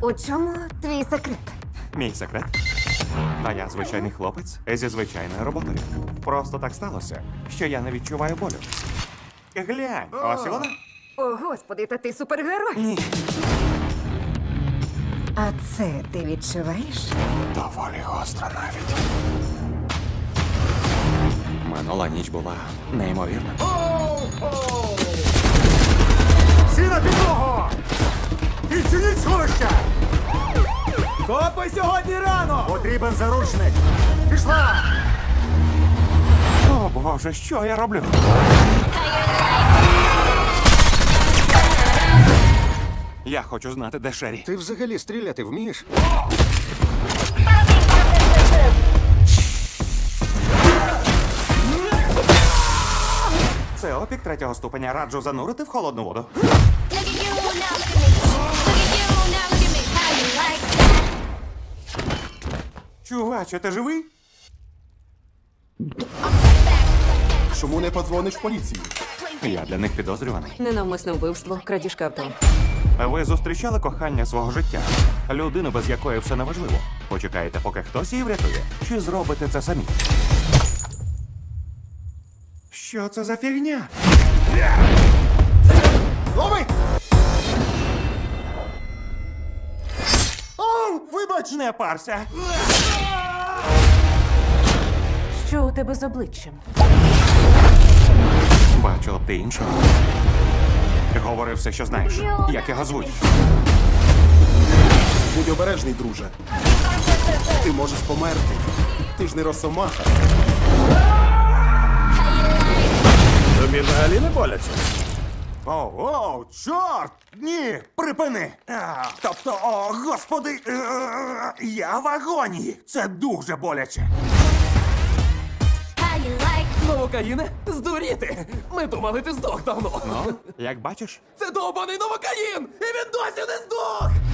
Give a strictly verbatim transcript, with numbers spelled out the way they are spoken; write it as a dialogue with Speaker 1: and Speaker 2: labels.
Speaker 1: У чому твій секрет?
Speaker 2: Мій секрет. Та я звичайний хлопець зі звичайною роботою. Просто так сталося, що я не відчуваю болю. Глянь, ось і вона.
Speaker 1: О, господи, та ти супергерой.
Speaker 2: Ні.
Speaker 1: А це ти відчуваєш?
Speaker 2: Доволі гостро навіть. Минула ніч була неймовірна.
Speaker 3: Всі на підлогу! Відчиніть сховище!
Speaker 4: Копи сьогодні рано!
Speaker 3: Потрібен заручник! Пішла!
Speaker 2: О, Боже, що я роблю? Я хочу знати, де Шері.
Speaker 3: Ти взагалі стріляти вмієш?
Speaker 2: Це опік третього ступеня. Раджу занурити в холодну воду.
Speaker 5: Look at you now, look at me. Look at you now, look at me. How you like that?
Speaker 2: Чуваче, ти живий?
Speaker 3: Чому не подзвониш в поліцію?
Speaker 2: Я для них підозрюваний.
Speaker 1: Ненавмисне вбивство, крадіжка авто.
Speaker 2: Ви зустрічали кохання свого життя? Людину, без якої все неважливо. Почекаєте, поки хтось її врятує? Чи зробите це самі? Що це за фігня?
Speaker 3: Лови!
Speaker 2: О, вибач, не парся.
Speaker 1: Що у тебе з обличчям?
Speaker 2: Бачила б ти іншого. Говори все, що знаєш. Як його звуть?
Speaker 3: Будь обережний, друже. Ти можеш померти. Ти ж не росомаха.
Speaker 4: Тобі взагалі не боляться?
Speaker 2: О, о, чорт! Ні, припини! А, тобто, о, господи, е, я в агонії. Це дуже боляче.
Speaker 5: How you like
Speaker 4: Новокаїне? Здуріти! Ми думали, ти здох давно.
Speaker 2: Ну, як бачиш?
Speaker 4: Це довбаний новокаїн! І він досі не здох!